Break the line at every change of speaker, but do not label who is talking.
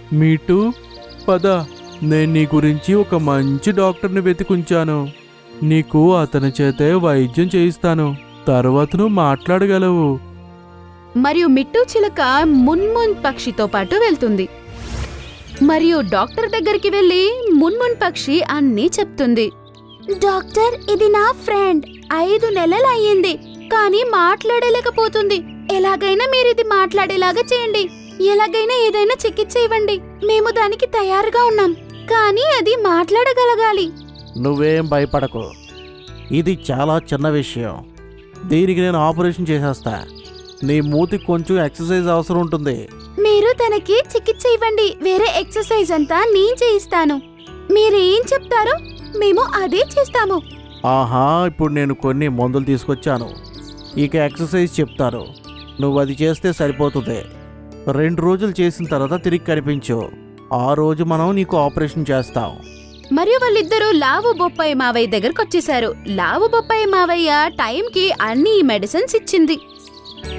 Meet పద, నేను నీ గురించి ఒక మంచి డాక్టర్ని వెతికుంచాను. నీకు అతని చేతే వైద్యం చేయిస్తాను. తర్వాత నువ్వు మాట్లాడగలవు.
మరియు మిట్టు చిలక మున్మున్ పక్షితో పాటు వెళ్తుంది. మరియు డాక్టర్ దగ్గరికి వెళ్లి మున్మున్ పక్షి అన్నీ చెప్తుంది. డాక్టర్, ఇది నా ఫ్రెండ్. 5 నెలలు అయ్యింది, కానీ మాట్లాడలేకపోతుంది. ఎలాగైనా మీరు ఇది మాట్లాడేలాగా చేయండి. ఎలాగైనా ఏదైనా చికిత్స ఇవ్వండి. మేము దానికి తయారుగా ఉన్నాం, కానీ అది మాట్లాడగలగాలి.
నువ్వేం భయపడకు, ఇది చాలా చిన్న విషయం. దీనికి నేను ఆపరేషన్ చేసేస్తా. నీ మూతికి కొంచెం ఎక్సర్సైజ్ అవసరం ఉంటుంది.
మీరు తనకి చికిత్స ఇవ్వండి. వేరే ఎక్సర్సైజ్ అంతా నేను చేయిస్తాను. మీరేం చెప్తారో మేము అదే చేస్తాము.
ఆహా, ఇప్పుడు నేను కొన్ని మందులు తీసుకొచ్చాను. ఇక ఎక్సర్సైజ్ చెప్తాను. నువ్వు అది చేస్తే సరిపోతుంది. 2 రోజులు చేసిన తర్వాత తిరిగి కనిపించు. ఆ రోజు మనం నీకు ఆపరేషన్ చేస్తాం.
మరియు వాళ్ళిద్దరూ లావు బొప్పాయి మావయ్య దగ్గరకు వచ్చేశారు. లావు బొప్పాయి మావయ్య టైంకి అన్ని మెడిసిన్స్ ఇచ్చింది.